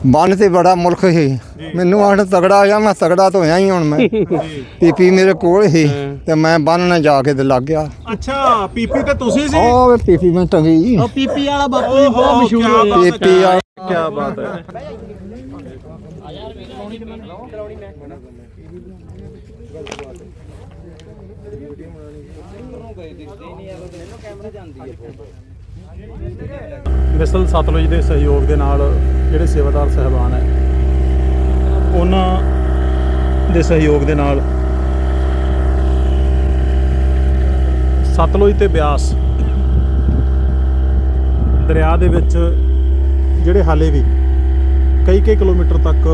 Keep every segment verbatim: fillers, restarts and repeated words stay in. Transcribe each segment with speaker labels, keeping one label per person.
Speaker 1: ਬੰਨ ਤੇ ਬੜਾ ਮੁਲਕ ਸੀ ਮੈਨੂੰ ਆਖ ਤਗੜਾ ਆ ਮੈਂ ਤਗੜਾ ਤਾਂ ਹੋਇਆ ਹੀ ਹੁਣ ਮੈਂ ਪੀਪੀ ਮੇਰੇ ਕੋਲ ਸੀ ਤੇ ਮੈਂ ਬੰਨ ਨਾ ਜਾ ਕੇ ਤੇ ਲੱਗ ਗਿਆ।
Speaker 2: ਅੱਛਾ ਪੀਪੀ ਤੇ ਤੁਸੀਂ ਸੀ?
Speaker 1: ਉਹ ਪੀਪੀ ਮੈਂ ਟੰਗੀ
Speaker 3: ਉਹ ਪੀਪੀ ਵਾਲਾ ਬਾਪੂ ਜੀ ਬਹੁਤ ਮਸ਼ਹੂਰ ਹੈ।
Speaker 1: ਪੀਪੀ ਆ
Speaker 2: ਕੀ ਬਾਤ ਹੈ। ਮਿਸਲ ਸਤਲੁਜ ਦੇ ਸਹਿਯੋਗ ਦੇ ਨਾਲ ਜਿਹੜੇ ਸੇਵਾਦਾਰ ਸਾਹਿਬਾਨ ਹੈ ਉਹਨਾਂ ਦੇ ਸਹਿਯੋਗ ਦੇ ਨਾਲ ਸਤਲੁਜ ਤੇ ਬਿਆਸ ਦਰਿਆ ਦੇ ਵਿੱਚ ਜਿਹੜੇ ਹਾਲੇ ਵੀ ਕਈ ਕਈ ਕਿਲੋਮੀਟਰ ਤੱਕ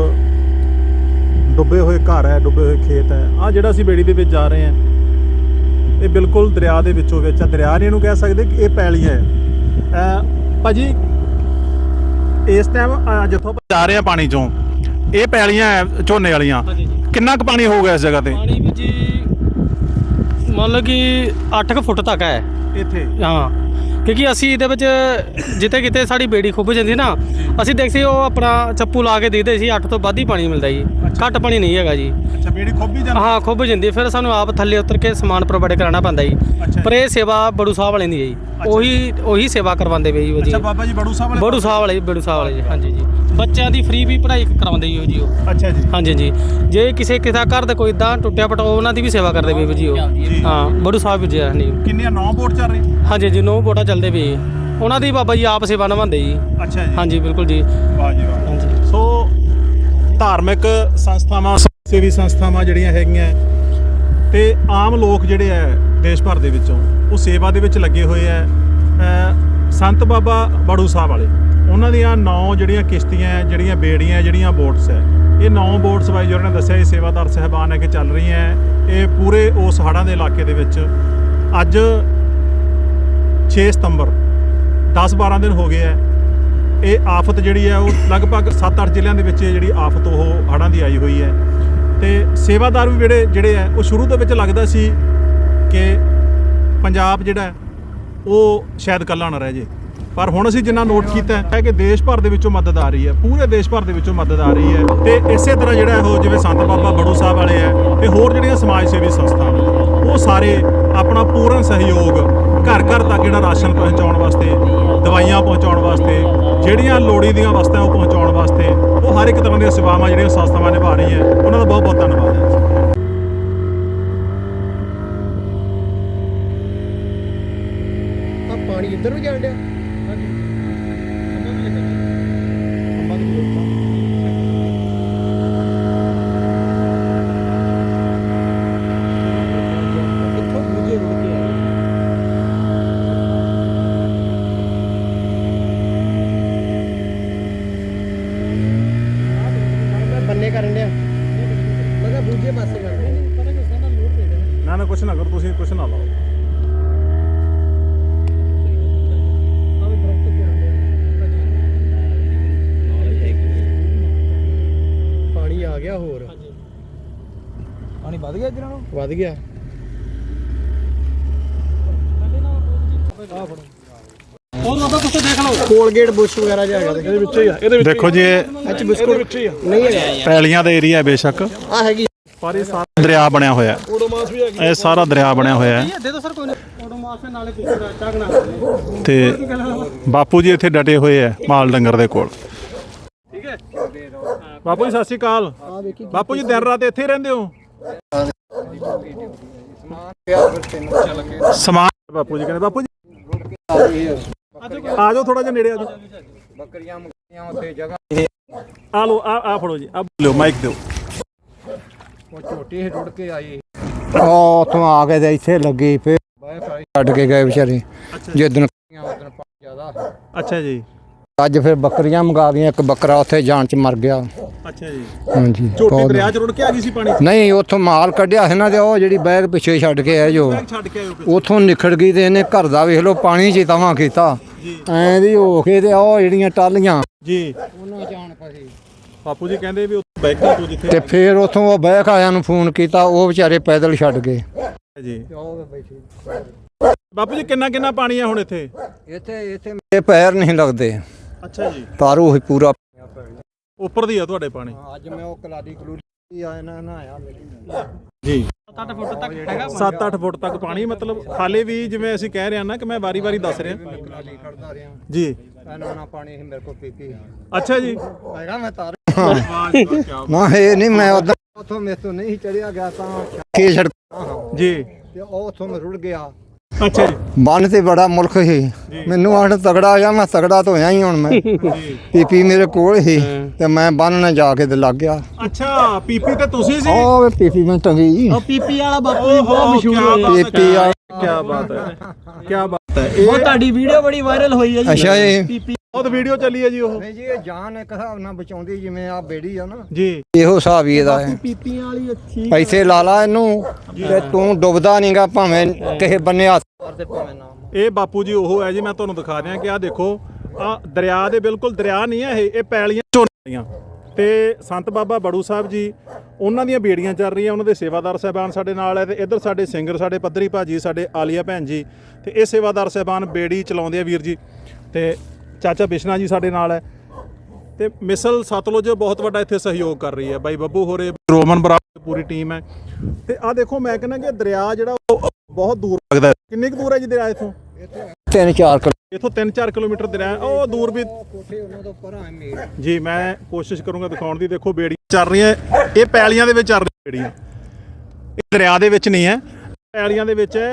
Speaker 2: ਡੁੱਬੇ ਹੋਏ ਘਰ ਹੈ, ਡੁੱਬੇ ਹੋਏ ਖੇਤ ਹੈ। ਆਹ ਜਿਹੜਾ ਅਸੀਂ ਬੇੜੀ ਦੇ ਵਿੱਚ ਜਾ ਰਹੇ ਹਾਂ ਇਹ ਬਿਲਕੁਲ ਦਰਿਆ ਦੇ ਵਿੱਚੋਂ ਵਿੱਚ ਆ। ਦਰਿਆ ਨਹੀਂ ਇਹਨੂੰ ਕਹਿ ਸਕਦੇ ਕਿ ਇਹ ਪੈਲੀਆਂ ਹੈ। ਭਾਜੀ ਇਸ ਟਾਈਮ ਜਿੱਥੋਂ ਜਾ ਰਹੇ ਆ ਪਾਣੀ ਚੋਂ ਇਹ ਪੈਲੀਆਂ ਹੈ ਝੋਨੇ ਵਾਲੀਆਂ, ਕਿੰਨਾ ਕੁ ਪਾਣੀ ਹੋਊਗਾ ਇਸ ਜਗ੍ਹਾ ਤੇ?
Speaker 3: ਪਾਣੀ ਵੀ ਜੀ ਮੰਨ ਲਓ ਕਿ ਅੱਠ ਕੁ ਫੁੱਟ ਤੱਕ ਹੈ
Speaker 2: ਇੱਥੇ।
Speaker 3: ਹਾਂ ਕਿਉਂਕਿ ਅਸੀਂ ਇਹਦੇ ਵਿੱਚ ਜਿੱਥੇ ਕਿਤੇ ਸਾਡੀ ਬੇੜੀ ਖੁੱਭ ਜਾਂਦੀ ਨਾ ਅਸੀਂ ਦੇਖਦੇ ਉਹ ਆਪਣਾ ਚੱਪੂ ਲਾ ਕੇ ਦੇਖਦੇ ਸੀ ਅੱਠ ਤੋਂ ਵੱਧ ਹੀ ਪਾਣੀ ਮਿਲਦਾ ਜੀ, ਘੱਟ ਪਾਣੀ ਨਹੀਂ ਹੈਗਾ ਜੀ।
Speaker 2: ਅੱਛਾ ਬੇੜੀ ਖੁੱਭ ਹੀ ਜਾਂਦੀ?
Speaker 3: ਹਾਂ ਖੁੱਭ ਜਾਂਦੀ, ਫਿਰ ਸਾਨੂੰ ਆਪ ਥੱਲੇ ਉਤਰ ਕੇ ਸਮਾਨ ਪ੍ਰੋਵਾਈਡ ਕਰਾਉਣਾ ਪੈਂਦਾ ਜੀ। ਪਰ ਇਹ ਸੇਵਾ ਬੜੂ ਸਾਹਿਬ ਵਾਲੇ ਦੀ ਹੈ ਜੀ, ਉਹੀ ਉਹੀ ਸੇਵਾ ਕਰਵਾਉਂਦੇ ਪਏ ਜੀ।
Speaker 2: ਅੱਛਾ ਬਾਬਾ ਜੀ ਬੜੂ ਸਾਹਿਬ ਵਾਲੇ?
Speaker 3: ਬੜੂ ਸਾਹਿਬ ਵਾਲੇ ਬੜੂ ਸਾਹਿਬ ਵਾਲੇ ਜੀ, ਹਾਂਜੀ ਜੀ। ਬੱਚਿਆਂ ਦੀ ਫ੍ਰੀ ਵੀ ਪੜ੍ਹਾਈ ਕਰਾਉਂਦੇ ਜੀ ਉਹ ਜੀ ਉਹ।
Speaker 2: ਅੱਛਾ ਜੀ।
Speaker 3: ਹਾਂਜੀ ਜੀ। ਜੇ ਕਿਸੇ ਕਿਸੇ ਘਰ ਦਾ ਕੋਈ ਇਦਾਂ ਟੁੱਟਿਆ ਪਟਾ ਉਹਨਾਂ ਦੀ ਵੀ ਸੇਵਾ ਕਰਦੇ ਪਏ ਜੀ ਉਹ। ਹਾਂ ਬੜੂ ਸਾਹਿਬ ਜੀ। ਹਾਂਜੀ
Speaker 2: ਕਿੰਨੀਆਂ ਨੌ ਬੋਟ ਚੱਲ ਰਹੀ?
Speaker 3: ਹਾਂਜੀ ਜੀ ਨੌ ਬੋਟਾਂ ਚੱਲਦੇ ਪਏ ਉਹਨਾਂ ਦੀ ਬਾਬਾ ਜੀ ਆਪ ਸੇਵਾ ਨਿਭਾਉਂਦੇ ਜੀ।
Speaker 2: ਅੱਛਾ ਜੀ।
Speaker 3: ਹਾਂਜੀ ਬਿਲਕੁਲ ਜੀ।
Speaker 2: ਵਾਹ ਜੀ ਵਾਹ।
Speaker 3: ਹਾਂਜੀ।
Speaker 2: ਸੋ ਧਾਰਮਿਕ ਸੰਸਥਾਵਾਂ ਸੇਵੀ ਸੰਸਥਾਵਾਂ ਜਿਹੜੀਆਂ ਹੈਗੀਆਂ ਤੇ ਆਮ ਲੋਕ ਜਿਹੜੇ ਹੈ ਦੇਸ਼ ਭਰ ਦੇ ਵਿੱਚੋਂ ਉਹ ਸੇਵਾ ਦੇ ਵਿੱਚ ਲੱਗੇ ਹੋਏ ਹੈ। ਸੰਤ ਬਾਬਾ ਬੜੂ ਸਾਹਿਬ ਵਾਲੇ ਉਹਨਾਂ ਦੀਆਂ ਨੌ ਜਿਹੜੀਆਂ ਕਿਸ਼ਤੀਆਂ ਜਿਹੜੀਆਂ ਬੇੜੀਆਂ ਜਿਹੜੀਆਂ ਬੋਟਸ ਹੈ ਇਹ ਨੌ ਬੋਟਸ ਬਾਈ ਜੀ ਉਹਨਾਂ ਨੇ ਦੱਸਿਆ ਇਹ ਸੇਵਾਦਾਰ ਸਹਿਬਾਨ ਹੈ ਕਿ ਚੱਲ ਰਹੀਆਂ ਹੈ। ਇਹ ਪੂਰੇ ਉਸ ਹੜ੍ਹਾਂ ਦੇ ਇਲਾਕੇ ਦੇ ਵਿੱਚ ਅੱਜ ਛੇ ਸਤੰਬਰ ਦਸ ਬਾਰਾਂ ਦਿਨ ਹੋ ਗਏ ਹੈ। ਇਹ ਆਫਤ ਜਿਹੜੀ ਹੈ ਉਹ ਲਗਭਗ ਸੱਤ ਅੱਠ ਜ਼ਿਲ੍ਹਿਆਂ ਦੇ ਵਿੱਚ ਜਿਹੜੀ ਆਫਤ ਉਹ ਹੜ੍ਹਾਂ ਦੀ ਆਈ ਹੋਈ ਹੈ ਤੇ ਸੇਵਾਦਾਰ ਵੀ ਜਿਹੜੇ ਜਿਹੜੇ ਹੈ ਉਹ ਸ਼ੁਰੂ ਦੇ ਵਿੱਚ ਲੱਗਦਾ ਸੀ ਕਿ ਪੰਜਾਬ ਜਿਹੜਾ ਉਹ ਸ਼ਾਇਦ ਇਕੱਲਾ ਨਾ ਰਹਿ ਜੇ, ਪਰ ਹੁਣ ਅਸੀਂ ਜਿੰਨਾ ਨੋਟ ਕੀਤਾ ਹੈ ਕਿ ਦੇਸ਼ ਭਰ ਦੇ ਵਿੱਚੋਂ ਮਦਦ ਆ ਰਹੀ ਹੈ, ਪੂਰੇ ਦੇਸ਼ ਭਰ ਦੇ ਵਿੱਚੋਂ ਮਦਦ ਆ ਰਹੀ ਹੈ। ਤੇ ਇਸੇ ਤਰ੍ਹਾਂ ਜਿਹੜਾ ਉਹ ਜਿਵੇਂ ਸੰਤ ਬਾਬਾ ਬੜੂ ਸਾਹਿਬ ਵਾਲੇ ਹੈ ਤੇ ਹੋਰ ਜਿਹੜੀਆਂ ਸਮਾਜ ਸੇਵੀ ਸੰਸਥਾਵਾਂ ਉਹ ਸਾਰੇ ਆਪਣਾ ਪੂਰਨ ਸਹਿਯੋਗ ਘਰ ਘਰ ਤੱਕ ਜਿਹੜਾ ਰਾਸ਼ਨ ਪਹੁੰਚਾਉਣ ਵਾਸਤੇ, ਦਵਾਈਆਂ ਪਹੁੰਚਾਉਣ ਵਾਸਤੇ, ਜਿਹੜੀਆਂ ਲੋੜੀ ਦੀਆਂ ਵਸਤਾਂ ਉਹ ਪਹੁੰਚਾਉਣ ਵਾਸਤੇ ਉਹ ਹਰ ਇੱਕ ਤਰ੍ਹਾਂ ਦੀਆਂ ਸੇਵਾਵਾਂ ਜਿਹੜੀਆਂ ਸੰਸਥਾਵਾਂ ਨਿਭਾ ਰਹੀਆਂ ਉਹਨਾਂ ਦਾ ਬਹੁਤ ਬਹੁਤ ਧੰਨਵਾਦ ਹੈ।
Speaker 4: ਪਾਣੀ ਇੱਧਰ ਵੀ ਜਾਣ ਡਿਆ? ਬੰਨੇ ਕਰਨ ਡਿਆ ਮੈਂ ਕਿਹਾ ਦੂਜੇ ਪਾਸੇ ਕਰ
Speaker 2: ਨਾ ਨਾ ਕੁਛ ਨਾ ਕਰੋ, ਤੁਸੀਂ ਕੁਛ ਨਾ ਲਾਓ।
Speaker 4: ਪਾਣੀ ਆ ਗਿਆ, ਹੋਰ
Speaker 3: ਪਾਣੀ ਵੱਧ ਗਿਆ ਇੱਧਰ ਨੂੰ?
Speaker 4: ਵੱਧ ਗਿਆ।
Speaker 3: ਹੋਰ ਬਾਬਾ ਕੁਛ ਦੇਖ ਲਓ
Speaker 4: ਕੋਲਗੇਟ ਬੁਸ਼ ਵਗੈਰਾ ਜਿਹਾ ਹੈਗਾ ਇਹਦੇ ਵਿੱਚ ਹੀ ਆ। ਇਹਦੇ
Speaker 2: ਦੇਖੋ ਜੀ ਇਹ
Speaker 4: ਵਿੱਚ ਬਿਸਕੁਟ ਵਿੱਚ ਹੀ ਆ ਨਹੀਂ ਹੈਗਾ।
Speaker 2: ਪੈਲੀਆਂ ਦਾ ਏਰੀਆ ਹੈ ਬੇਸ਼ੱਕ,
Speaker 4: ਆ ਹੈਗੀ
Speaker 2: ਪਰ ਇਹ ਸਾਰਾ ਦਰਿਆ ਬਣਿਆ ਹੋਇਆ ਹੈ। ਇਹ ਸਾਰਾ ਦਰਿਆ ਬਣਿਆ ਹੋਇਆ ਹੈ
Speaker 3: ਦੇ ਦੋ ਸਰ ਕੋਈ ਨਹੀਂ ਆਟੋਮਾਸ ਨਾਲੇ ਪਿੱਛੇ ਚਾਗਣਾ
Speaker 2: ਤੇ ਬਾਪੂ ਜੀ ਇੱਥੇ ਡਟੇ ਹੋਏ ਹੈ ਮਾਲ ਡੰਗਰ ਦੇ ਕੋਲ।
Speaker 3: ਠੀਕ ਹੈ
Speaker 2: ਬਾਪੂ ਜੀ ਸਤਿ ਸ਼੍ਰੀ ਅਕਾਲ। ਬਾਪੂ ਜੀ ਦਿਨ ਰਾਤ ਇੱਥੇ ਹੀ ਰਹਿੰਦੇ ਹੋ? ਸਮਾਨ ਬਾਪੂ ਜੀ ਕਹਿੰਦੇ ਬਾਪੂ ਜੀ ਆ ਜਾਓ ਥੋੜਾ ਜਿਹਾ ਨੇੜੇ ਆ ਜਾਓ।
Speaker 1: ਬੱਕਰੀਆਂ ਮੁਕੀਆਂ ਉੱਥੇ ਜਗ੍ਹਾ
Speaker 2: ਆ ਲਓ ਆ ਆ ਫੜੋ ਜੀ, ਆ ਲਿਓ ਮਾਈਕ ਦਿਓ।
Speaker 1: ਉਹ ਝੋਟੀ ਰੁੜ ਕੇ ਆਈ ਉਹ ਉੱਥੋਂ ਆ ਕੇ ਤੇ ਇੱਥੇ ਲੱਗੀ ਫੇਰ ਛੱਡ ਕੇ ਗਏ ਵਿਚਾਰੇ ਜਿੱਦਣ ਉਦਣ ਪਾਣੀ ਜ਼ਿਆਦਾ।
Speaker 2: ਅੱਛਾ ਜੀ।
Speaker 1: ਅੱਜ ਫਿਰ ਬੱਕਰੀਆਂ ਮੰਗਾ ਦੀਆਂ, ਇੱਕ ਬੱਕਰਾ ਉੱਥੇ ਜਾਣ ਚ ਮਰ ਗਿਆ।
Speaker 2: ਅੱਛਾ ਜੀ।
Speaker 1: ਹਾਂਜੀ
Speaker 2: ਝੋਟੀ ਦਰਿਆ ਚ ਰੁੜ ਕੇ ਆ ਗਈ ਸੀ ਪਾਣੀ?
Speaker 1: ਨਹੀਂ ਉੱਥੋਂ ਮਾਲ ਕੱਢਿਆ ਸੀ ਨਾ ਤੇ ਉਹ ਜਿਹੜੀ ਬੈਗ ਪਿੱਛੇ ਛੱਡ ਕੇ ਆਏ ਜੋ
Speaker 2: ਛੱਡ ਕੇ ਆਇਓ
Speaker 1: ਉੱਥੋਂ ਨਿਖੜ ਗਈ ਤੇ ਇਹਨੇ ਘਰ ਦਾ ਵੇਖ ਲਓ ਪਾਣੀ ਚ ਤਵਾਂ ਕੀਤਾ ਐਂ ਦੀ ਹੋ ਕੇ ਤੇ ਉਹ ਜਿਹੜੀਆਂ ਟਾਲੀਆਂ
Speaker 2: ਜੀ
Speaker 1: ਉਹਨਾਂ ਜਾਣ ਪਈ।
Speaker 2: ਬਾਪੂ ਜੀ ਕਹਿੰਦੇ ਵੀ ਉੱਥੇ ਬੈਠਾ ਤੂੰ ਜਿੱਥੇ
Speaker 1: ਤੇ ਫਿਰ ਉੱਥੋਂ ਉਹ ਬੈਕ ਆਇਆਂ ਨੂੰ ਫੋਨ ਕੀਤਾ, ਉਹ ਵਿਚਾਰੇ ਪੈਦਲ ਛੱਡ ਗਏ
Speaker 2: ਜੀ। ਬਾਪੂ ਜੀ ਕਿੰਨਾ ਕਿੰਨਾ ਪਾਣੀ ਆ ਹੁਣ ਇੱਥੇ?
Speaker 1: ਇੱਥੇ ਇੱਥੇ ਮੇਰੇ ਪੈਰ ਨਹੀਂ ਲੱਗਦੇ।
Speaker 2: ਅੱਛਾ ਜੀ।
Speaker 1: ਪਰ ਉਹ ਪੂਰਾ
Speaker 2: ਉੱਪਰ ਦੀ ਆ ਤੁਹਾਡੇ ਪਾਣੀ?
Speaker 1: ਹਾਂ, ਅੱਜ ਮੈਂ ਉਹ ਕਲਾਦੀ ਕਲੂਦੀ ਆਇਆ ਨਾ ਨਹਾਇਆ
Speaker 2: ਜੀ
Speaker 3: ਸੱਤ ਅੱਠ ਫੁੱਟ ਤੱਕ ਹੈਗਾ
Speaker 2: ਸੱਤ ਅੱਠ ਫੁੱਟ ਤੱਕ ਪਾਣੀ, ਮਤਲਬ ਹਾਲੇ ਵੀ ਜਿਵੇਂ ਅਸੀਂ ਕਹਿ ਰਹੇ ਹਾਂ ਨਾ ਕਿ ਮੈਂ ਵਾਰੀ-ਵਾਰੀ ਦੱਸ ਰਿਹਾ
Speaker 1: ਕਲਾਦੀ ਖੜਦਾ ਰਿਹਾ
Speaker 2: ਜੀ।
Speaker 1: ਇਹਨਾਂ ਨਾਲ ਪਾਣੀ ਸੀ ਮੇਰੇ ਕੋਲ ਪੀਪੀ
Speaker 2: ਅੱਛਾ ਜੀ।
Speaker 1: ਹੈਗਾ ਮੈਂ ਤਾਰ
Speaker 2: ਵਾਹ ਜੀ ਵਾਹ, ਕਿਆ
Speaker 1: ਨਾ ਇਹ ਨਹੀਂ ਮੈਂ ਉਦੋਂ ਉਥੋਂ ਮੇਰੇ ਤੋਂ ਨਹੀਂ ਚੜਿਆ ਗਿਆ ਤਾਂ ਖੇ ਛੜ
Speaker 2: ਜੀ।
Speaker 1: ਤੇ ਉਹ ਉਥੋਂ ਮੈਂ ਰੁੜ ਗਿਆ।
Speaker 2: ਅੱਛਾ ਜੀ।
Speaker 1: ਬੰਨ ਤੇ ਬੜਾ ਮੁਲਕ ਸੀ, ਮੈਨੂੰ ਆਣ ਤਗੜਾ ਆ ਮੈਂ ਤਗੜਾ ਤਾਂ ਹੋਇਆ ਹੀ ਹੁਣ ਮੈਂ ਪੀਪੀ ਮੇਰੇ ਕੋਲ ਸੀ ਤੇ ਮੈਂ ਬੰਨ ਨਾਲ ਜਾ ਕੇ ਤੇ ਲੱਗ ਗਿਆ।
Speaker 2: ਅੱਛਾ ਪੀਪੀ ਤੇ ਤੁਸੀਂ ਸੀ?
Speaker 1: ਉਹ ਪੀਪੀ ਮੈਂ ਟੰਗੀ
Speaker 4: ਉਹ ਪੀਪੀ ਵਾਲਾ ਬਾਪੂ ਜੀ ਬਹੁਤ ਮਸ਼ਹੂਰ ਹੋਇਆ।
Speaker 1: ਪੀਪੀ ਆ
Speaker 2: ਕੀ ਬਾਤ ਹੈ, ਕੀ ਬਾਤ ਹੈ।
Speaker 4: ਉਹ ਤੁਹਾਡੀ ਵੀਡੀਓ ਬੜੀ ਵਾਇਰਲ ਹੋਈ ਹੈ ਜੀ।
Speaker 1: ਅੱਛਾ ਇਹ
Speaker 4: ਪੀਪੀ
Speaker 2: ਬਹੁਤ ਵੀਡੀਓ ਚੱਲੀ ਹੈ ਜੀ ਉਹ।
Speaker 1: ਨਹੀਂ ਜੀ ਇਹ ਜਾਨ ਇੱਕ ਹਿਸਾਬ ਨਾਲ ਬਚਾਉਂਦੀ, ਜਿਵੇਂ ਆ ਬੇੜੀ ਆ ਨਾ
Speaker 2: ਜੀ
Speaker 1: ਇਹੋ ਹਿਸਾਬ ਹੀ ਇਹਦਾ ਹੈ।
Speaker 4: ਪੀਪੀਆਂ ਵਾਲੀ ਅੱਛੀ
Speaker 1: ਪੈਸੇ ਲਾ ਲਾ ਇਹਨੂੰ ਤੇ ਤੂੰ ਡੁੱਬਦਾ ਨਹੀਂਗਾ, ਭਾਵੇਂ ਕਿਸੇ ਬੰਨੇ ਹੱਥ ਮਾਰਦੇ ਭਾਵੇਂ ਨਾ।
Speaker 2: ਇਹ ਬਾਪੂ ਜੀ ਉਹ ਹੈ ਜੀ, ਮੈਂ ਤੁਹਾਨੂੰ ਦਿਖਾ ਦਿਆਂ ਕਿ ਆਹ ਦੇਖੋ ਆ ਦਰਿਆ ਦੇ ਬਿਲਕੁਲ ਦਰਿਆ ਨਹੀਂ ਹੈ ਇਹ ਇਹ ਪੈਲੀਆਂ ਝੋਨੀਆਂ ਤੇ ਸੰਤ ਬਾਬਾ ਬੜੂ ਸਾਹਿਬ ਜੀ ਉਹਨਾਂ ਦੀਆਂ ਬੇੜੀਆਂ ਚੱਲ ਰਹੀਆਂ, ਉਹਨਾਂ ਦੇ ਸੇਵਾਦਾਰ ਸਾਹਿਬਾਨ ਸਾਡੇ ਨਾਲ ਹੈ ਤੇ ਇੱਧਰ ਸਾਡੇ ਸਿੰਗਰ ਸਾਡੇ ਪੱਧਰੀ ਭਾਜੀ ਸਾਡੇ ਆਲੀਆ ਭੈਣ ਜੀ ਤੇ ਇਹ ਸੇਵਾਦਾਰ ਸਾਹਿਬਾਨ ਬੇੜੀ ਚਲਾਉਂਦੇ ਆ ਵੀਰ ਜੀ ਤੇ ਚਾਚਾ ਬਿਸ਼ਨਾ ਜੀ ਸਾਡੇ ਨਾਲ ਹੈ ਤੇ ਮਿਸਲ ਸਤਲੁਜ ਬਹੁਤ ਵੱਡਾ ਇੱਥੇ ਸਹਿਯੋਗ ਕਰ ਰਹੀ ਹੈ। ਬਾਈ ਬੱਬੂ ਹੋਰੇ, ਰੋਮਨ ਬਰਾਬਰ ਪੂਰੀ ਟੀਮ ਹੈ ਤੇ ਆਹ ਦੇਖੋ ਮੈਂ ਕਹਿੰਦਾ ਕਿ ਦਰਿਆ ਜਿਹੜਾ ਉਹ ਬਹੁਤ ਦੂਰ ਲੱਗਦਾ ਹੈ। ਕਿੰਨੀ ਕੁ ਦੂਰ ਹੈ ਜੀ ਦਰਿਆ ਇੱਥੋਂ?
Speaker 1: ਤਿੰਨ ਚਾਰ ਕਿਲੋ
Speaker 2: ਇੱਥੋਂ ਤਿੰਨ ਚਾਰ ਕਿਲੋਮੀਟਰ ਦਰਿਆ ਉਹ ਦੂਰ ਵੀ
Speaker 1: ਕੋਠੇ ਉਹਨਾਂ ਤੋਂ ਪਰਾਂ ਮੇਰ
Speaker 2: ਜੀ। ਮੈਂ ਕੋਸ਼ਿਸ਼ ਕਰੂੰਗਾ ਦਿਖਾਉਣ ਦੀ। ਦੇਖੋ ਬੇੜੀਆਂ ਚੱਲ ਰਹੀਆਂ, ਇਹ ਪੈਲੀਆਂ ਦੇ ਵਿੱਚ ਚੱਲ ਰਹੀਆਂ ਬੇੜੀਆਂ, ਇਹ ਦਰਿਆ ਦੇ ਵਿੱਚ ਨਹੀਂ ਹੈ, ਪੈਲੀਆਂ ਦੇ ਵਿੱਚ ਹੈ।